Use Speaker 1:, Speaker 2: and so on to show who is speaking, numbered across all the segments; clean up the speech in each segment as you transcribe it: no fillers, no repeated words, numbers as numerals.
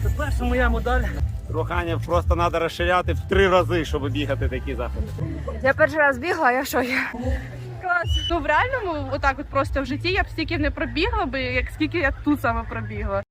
Speaker 1: Це перша моя медаль.
Speaker 2: Руханів просто треба розширяти в 3 рази, щоб бігати такі заходи.
Speaker 3: Я перший раз бігла, я що я?
Speaker 4: Клас. Ну в реальному, отак от просто в житті я б стільки не пробігла би, як скільки я тут саме пробігла.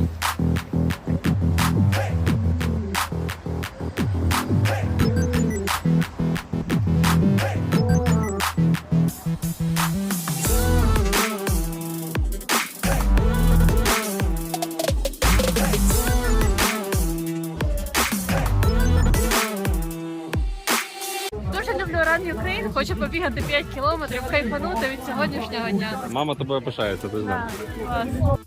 Speaker 4: Дуже люблю Run Ukraine, хочу побігати 5 кілометрів, кайфанути від сьогоднішнього дня.
Speaker 2: Мама тобою пишається, ти знаєш.
Speaker 4: Клас.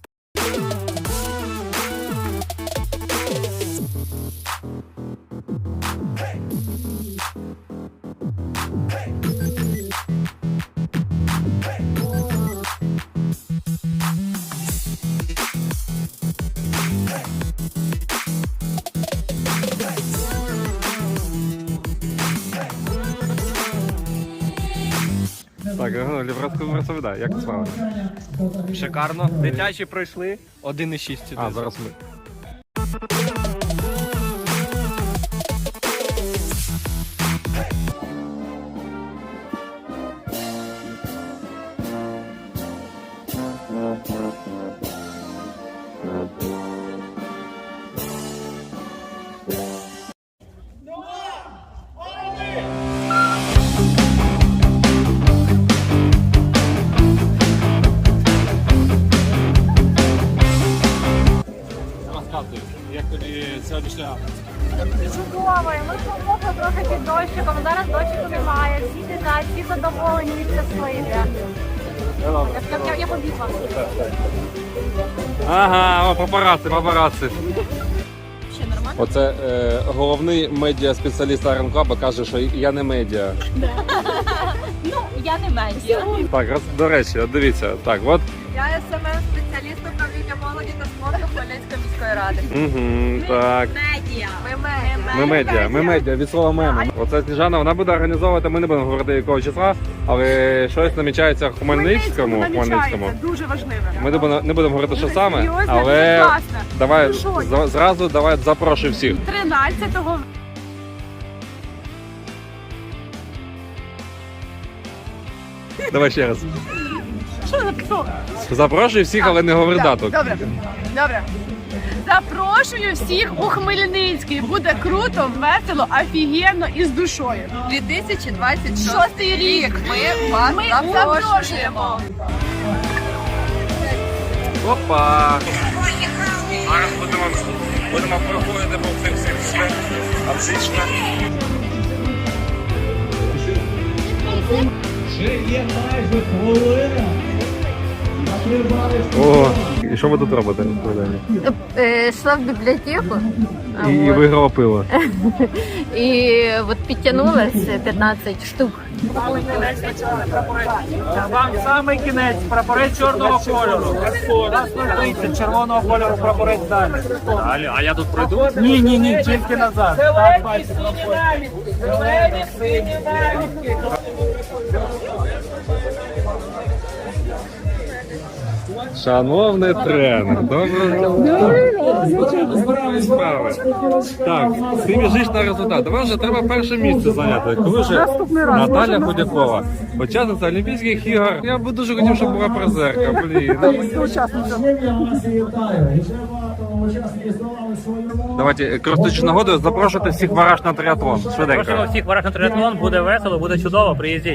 Speaker 2: Так, розповідай, як справа?
Speaker 1: Шикарно. Дитячі пройшли 1,6.
Speaker 2: А, зараз ми. Розказуй, як тобі сьогоднішня
Speaker 3: Чудово, ми помогли трохи під дощиком, зараз дощику немає, всі сидять, всі задоволені від щасливі. Я побігла.
Speaker 2: Ага, о, папараці. Оце головний медіа-спеціаліст Iron Club каже, що я не медіа.
Speaker 4: Ну, я не медіа.
Speaker 2: Так, до речі, от дивіться, так, от.
Speaker 3: Я СММ-спеціаліст управління молоді та спорту Хмельницької міської ради.
Speaker 2: Так.
Speaker 3: Медіа.
Speaker 2: Ми медіа, від слова меми. Оце Сніжана, вона буде організовувати, ми не будемо говорити якого числа, але щось намічається в Хмельницькому.
Speaker 4: Дуже важливе.
Speaker 2: Ми не будемо говорити, що саме,
Speaker 4: Серйозно,
Speaker 2: але
Speaker 4: дуже класно.
Speaker 2: давай
Speaker 4: Ну що?
Speaker 2: зразу запрошуй всіх.
Speaker 4: 13-го.
Speaker 2: Давай ще раз.
Speaker 4: Що написав?
Speaker 2: Запрошуй всіх, але не говори дату.
Speaker 4: Добре. Запрошую всіх у Хмельницький. Буде круто, весело, офігенно і з душою.
Speaker 3: 2026 рік ми вас запрошуємо.
Speaker 2: Опа! Зараз будемо проходити по цим всім все. Отлично.
Speaker 5: Ще є майже хвилина.
Speaker 2: О, і що ви тут робите?
Speaker 3: Йшла в бібліотеку
Speaker 2: І виграла пиво.
Speaker 3: і от підтягнулась 15 штук.
Speaker 1: Вам самий кінець, прапорець чорного кольору. Раз 30 червоного кольору прапорець далі.
Speaker 2: А я тут пройду?
Speaker 1: Ні, тільки назад. Зелені, сині навітки.
Speaker 2: Шановний тренер, доброго справи. Так, ти біжиш на результат. Давай вже треба перше місце зайняти. Коли вже Наталя Худякова, учасниця Олімпійських ігор. Я б дуже хотів, щоб була призерка. Блін. Давайте, користуючись нагодою, запрошувати всіх вараж на триатлон.
Speaker 1: Просимо
Speaker 2: Швиденько.
Speaker 1: всіх вараж на триатлон, буде весело, буде чудово, приїздіть.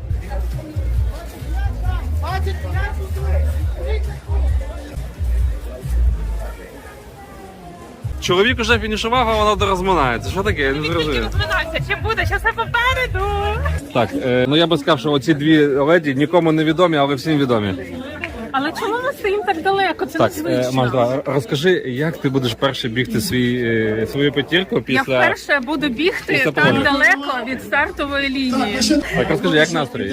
Speaker 2: Чоловік уже фінішував, а вона розминається. Що таке? Я не зрозумів.
Speaker 4: Розминайся, чи буде, що все попереду.
Speaker 2: Так, ну я би сказав, що оці дві леді нікому не відомі, але всім відомі.
Speaker 4: Але чому ми стоїмо так далеко? Це
Speaker 2: Так,
Speaker 4: незвично.
Speaker 2: Маш, давай, розкажи, як ти будеш перше бігти свою п'ятірку
Speaker 4: Я
Speaker 2: після...
Speaker 4: вперше буду бігти
Speaker 2: після
Speaker 4: так
Speaker 2: погоди.
Speaker 4: далеко від стартової лінії.
Speaker 2: Так, розкажи, як настрій?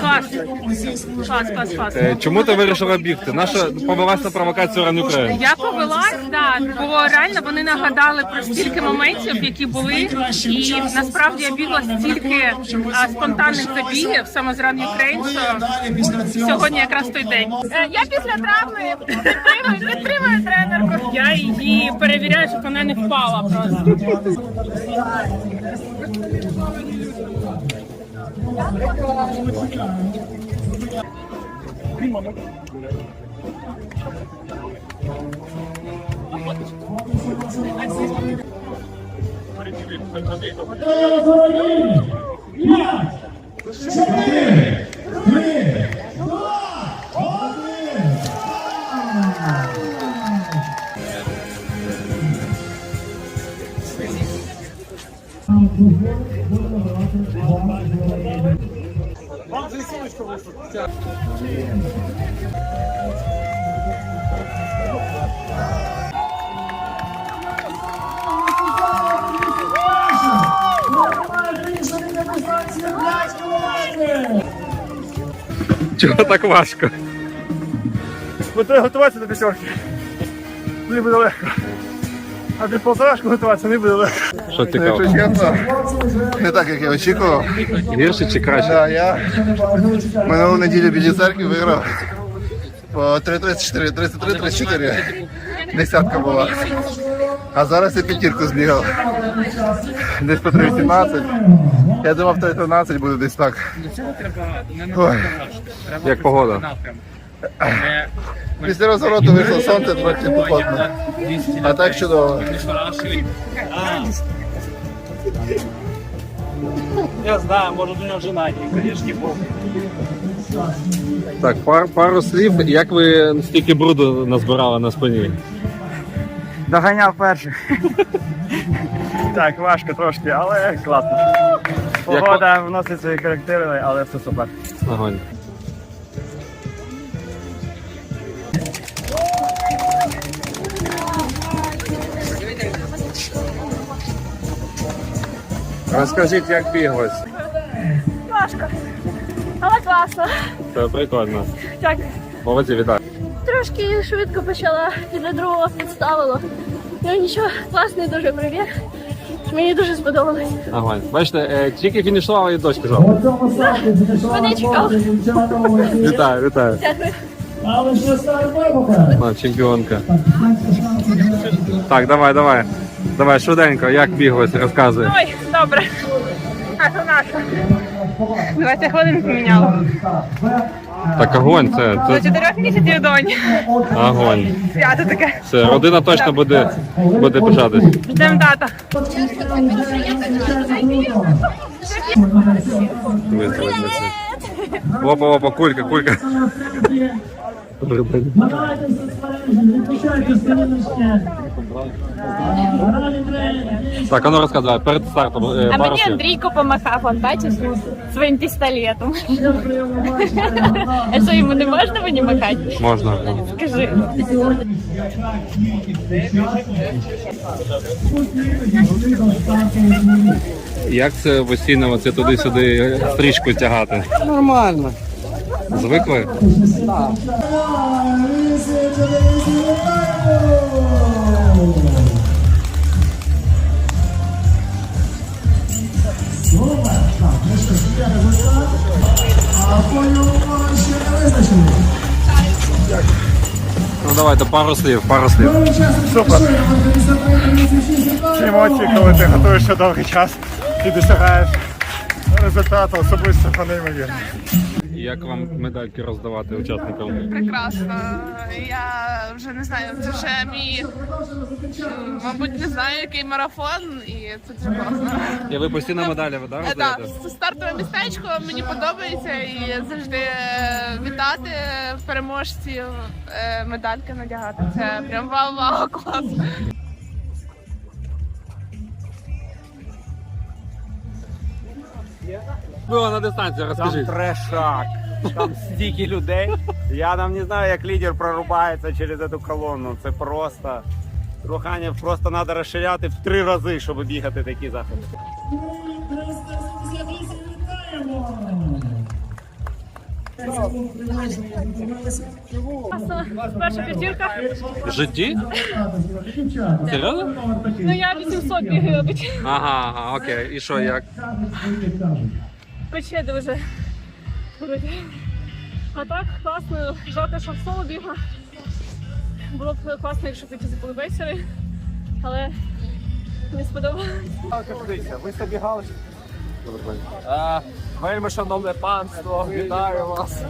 Speaker 4: Клас.
Speaker 2: Чому ти вирішила бігти? Наша повелася на провокацію Run Ukraine.
Speaker 4: Я повелась, так, бо реально вони нагадали про стільки моментів, які були, і насправді я бігла стільки спонтанних забігів саме з Run Ukraine, що сьогодні якраз той день. Як після травми підтримую тренерку. Я її перевіряю, щоб вона не впала просто.
Speaker 2: Чого так важко?
Speaker 1: Бо треба готуватися до п'ятерки. Не буде легко. А під полторашку готуватися не буде легко.
Speaker 2: Що цікаво?
Speaker 6: Якщо чесно, не так, як я очікував.
Speaker 2: Гірше чи краще?
Speaker 6: Да, я минулу неділю біля церкви виграв по 3.34, 33-34. Десятка була. А зараз я п'ятірку збігав. Десь по 3.18. Я думав, 3.13 буде десь так. Ой.
Speaker 2: Як погода?
Speaker 6: Після розвороту вийшло сонце, трохи похотно. А так чудово.
Speaker 1: Я знаю, може до нього жена є, звісно, був.
Speaker 2: Так, пару слів. Як ви стільки бруду назбирали на спині?
Speaker 1: Доганяв перших. Так, важко трошки, але класно. Погода вносить свої корективи, але все супер.
Speaker 2: Огонь. Розкажіть, як біглось?
Speaker 3: Важко. Але класно.
Speaker 2: Це прикольно.
Speaker 3: Дякую.
Speaker 2: Молодці, вітаю.
Speaker 3: Трошки швидко почала, після другого підставило. Ну нічого, класний дуже пробіг. Мені дуже сподобалось.
Speaker 2: Огонь. Бачите, тільки фінішували і дощ пішов.
Speaker 3: Мене чекав.
Speaker 2: Вітаю, вітаю.
Speaker 3: Дякую.
Speaker 5: Але ж стар вибуха.
Speaker 2: А, чемпіонка. Так, давай. Давай, швиденько, як біглось, розказуй.
Speaker 4: Ой, добре. А то наша. 20 хвилин поміняла.
Speaker 2: Так, огонь,
Speaker 4: До
Speaker 2: це
Speaker 4: 4 місяців доні.
Speaker 2: огонь.
Speaker 4: Свято таке.
Speaker 2: Все, родина точно буде пишатись.
Speaker 4: Ждемо тата.
Speaker 2: Опа, кулька.
Speaker 5: Давайте не пишайте сторіночки.
Speaker 2: Так, а ну розказуй, перед стартом
Speaker 3: А
Speaker 2: пару
Speaker 3: мені
Speaker 2: слів.
Speaker 3: Андрійко помахав, он бачиш, своїм пістолетом. А що, йому не можна мені махати?
Speaker 2: Можна.
Speaker 3: Скажи.
Speaker 2: Як це постійно це туди-сюди стрічку тягати? Нормально. Звикли? Ну давайте пару слів.
Speaker 1: Супер. Ці емоції, коли ти готуєшся довгий час і досягаєш результату, особисто неймовірно.
Speaker 2: Як вам медальки роздавати учасникам?
Speaker 7: Прекрасно. Я вже не знаю, це вже мій, мабуть, не знаю, який марафон, і це дуже класно.
Speaker 2: І ви постійно медалі роздаєте?
Speaker 7: Так, стартове містечко мені подобається і завжди вітати переможців, медальки надягати. Це прям вау-вау, клас.
Speaker 2: Було на дистанції,
Speaker 1: Там
Speaker 2: розкажіть.
Speaker 1: трешак, там стільки людей. Я там не знаю, як лідер прорубається через цю колонну. Це просто Руханів просто треба розширяти в 3 рази, щоб бігати такі заходи.
Speaker 4: Перша п'ятірка.
Speaker 2: В житті? Серйозно?
Speaker 4: Ну я 800 бігаю.
Speaker 2: Ага, окей. І що, як?
Speaker 4: Пече дуже. А так, класно. Жалко, що в соло бігла. Було б класно, якщо б якісь були веселі. Але не сподобалось.
Speaker 1: Ви забігали?
Speaker 8: Вельми шановне панство, вітаю вас.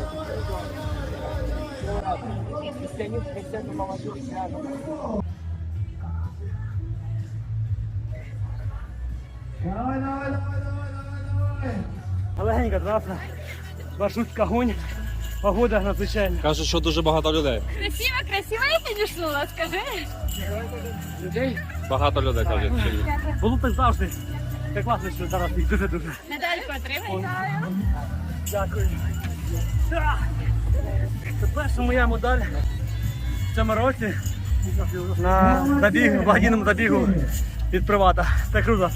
Speaker 5: Легенько, траса. Маршрутка гонь. Погода надзвичайна.
Speaker 2: Кажуть, що дуже багато людей.
Speaker 3: Красиво я підійшла, скажи.
Speaker 2: Багато людей кажуть.
Speaker 5: Було так завжди. Так класно, що зараз їх дуже-дуже.
Speaker 3: Медальку отримай.
Speaker 5: Дякую. Це перша моя медаль в цьому році на забігу, благодійному забігу від Привата. Це круто.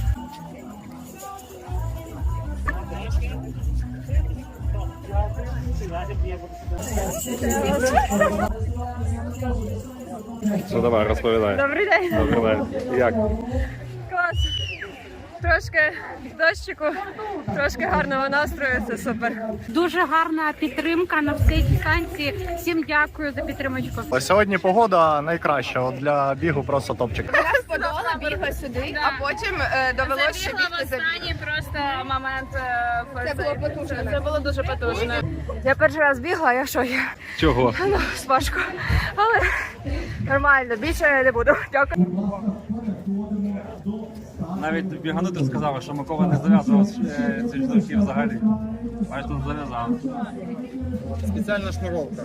Speaker 2: Ну давай, розповідай.
Speaker 4: Добрий день.
Speaker 2: Добрий день. Як?
Speaker 4: Клас. Трошки дощику, трошки гарного настрою, це супер.
Speaker 3: Дуже гарна підтримка на всій дистанції. Всім дякую за підтримочку.
Speaker 9: Сьогодні погода найкраща, от для бігу просто топчик.
Speaker 7: Я подолала, бігла сюди, а потім довелося ще бігти за
Speaker 4: останній просто момент.
Speaker 7: Це було потужно.
Speaker 4: Це було дуже потужно.
Speaker 7: Я перший раз бігла, я що я?
Speaker 2: Чого?
Speaker 7: Ну, важко. Але нормально, більше не буду. Дякую.
Speaker 2: Навіть біганути сказали, що Микола не зав'язував ці штуки взагалі. Аж тут зав'язав.
Speaker 1: Спеціальна шнуровка.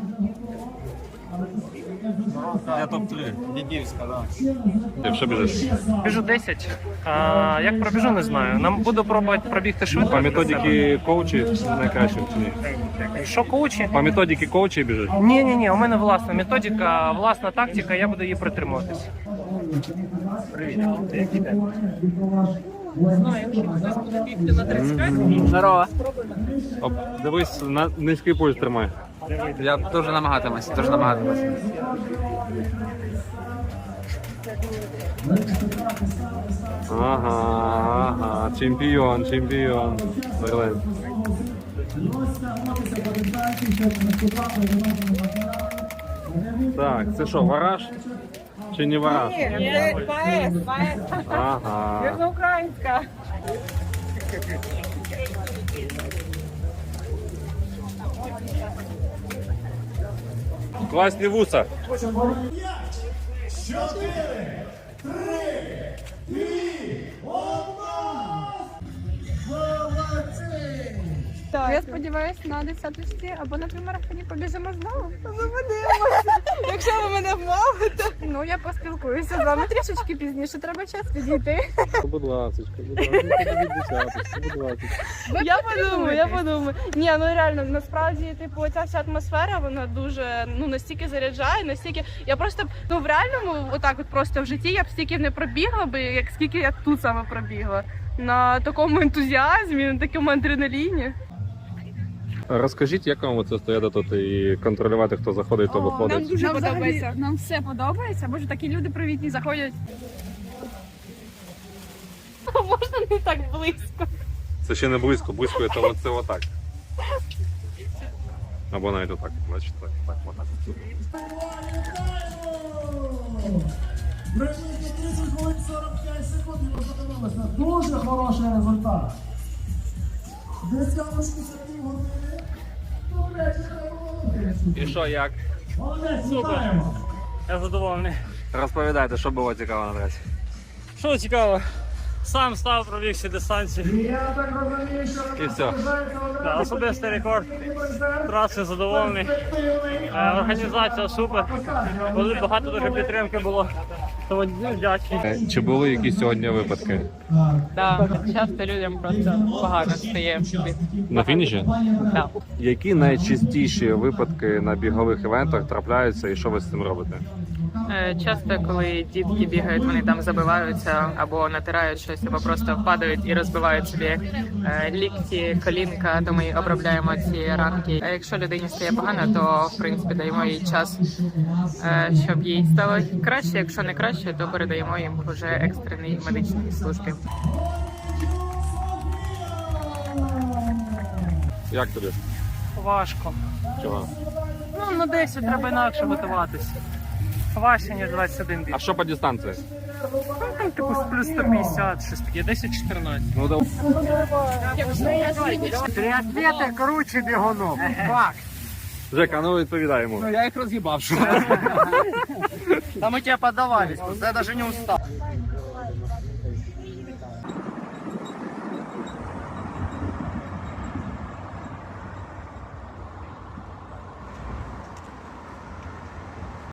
Speaker 2: Я топ-3.
Speaker 1: Дідівська, так.
Speaker 2: Ти що біжиш?
Speaker 5: Біжу 10. Як пробіжу, не знаю. Нам буду пробувати пробігти швидко.
Speaker 2: По методиці коучі найкраще чи ні?
Speaker 5: Що коучі?
Speaker 2: По методиці коучі біжиш?
Speaker 5: Ні, у мене власна методика, власна тактика, я буду її притримуватись. Привіт.
Speaker 8: Здорово.
Speaker 2: Оп, дивись, на низький пульс тримай.
Speaker 8: Я дуже намагатимусь, дуже намагатимусь.
Speaker 2: Ага, чемпіон. Берлин. Так, це що, вараж? Чи не вараж?
Speaker 4: Ні, поет.
Speaker 2: Ага.
Speaker 4: Це українська.
Speaker 2: Класні вуса.
Speaker 7: Я сподіваюся на 10-ті або на примарафоні побіжимо знову. Якщо ви мене вмовите. Ну, я поспілкуюся з вами трішечки пізніше, треба час підійти.
Speaker 2: Будь ласка,
Speaker 7: Я подумаю. Ні, ну реально, насправді, типу, ця вся атмосфера, вона дуже, настільки заряджає, настільки... Я просто, в реальному, отак от просто в житті я б стільки не пробігла би, як скільки я тут саме пробігла. На такому ентузіазмі, на такому адреналіні.
Speaker 2: Розкажіть, як вам це стояти тут і контролювати, хто заходить, хто виходить?
Speaker 7: Нам дуже подобається. Нам все подобається, боже, такі люди привітні заходять. Можна не так близько.
Speaker 2: Це ще не близько, близько це отак. Або навіть отак, бачите, так, отак.
Speaker 5: Прийшли 30 хвилин 45 секунд і ви подивилися. Дуже хороший результат. Десяточку за півгодини.
Speaker 2: І що, як?
Speaker 5: Молодець, вітаємо.
Speaker 10: Я задоволений.
Speaker 2: Розповідайте, що було цікаво на трасі.
Speaker 10: Що цікаво, сам став, пробіг всі дистанції.
Speaker 5: Я так розумію, що
Speaker 2: І все.
Speaker 10: Да, особистий рекорд. Траси задоволений. Організація супер. Коли багато дуже підтримки було, тому вдячний.
Speaker 2: Чи були якісь сьогодні випадки?
Speaker 11: Так, часто людям просто погано стає.
Speaker 2: На фініші?
Speaker 11: Так.
Speaker 2: Які найчастіші випадки на бігових івентах трапляються і що ви з цим робите?
Speaker 11: Часто, коли дітки бігають, вони там забиваються або натирають щось, або просто впадають і розбивають собі лікті, колінка, то ми обробляємо ці ранки. А якщо людині стає погано, то в принципі даємо їй час, щоб їй стало краще. Якщо не краще, то передаємо їм вже екстреній медичній службі.
Speaker 2: Як тобі?
Speaker 5: Важко.
Speaker 2: Чого?
Speaker 5: Ну, на 10 треба інакше готуватися. Важче, ніж 21 біг.
Speaker 2: А що по дистанції?
Speaker 5: Ну, там, типу, плюс 150, щось таке, 10-14.
Speaker 2: Ну, да.
Speaker 5: Триатлети круче бігунок. Факт.
Speaker 2: Жека, ну відповідай йому.
Speaker 8: Я їх роз'їбав.
Speaker 5: Там ми тебе подавались, я навіть не устав.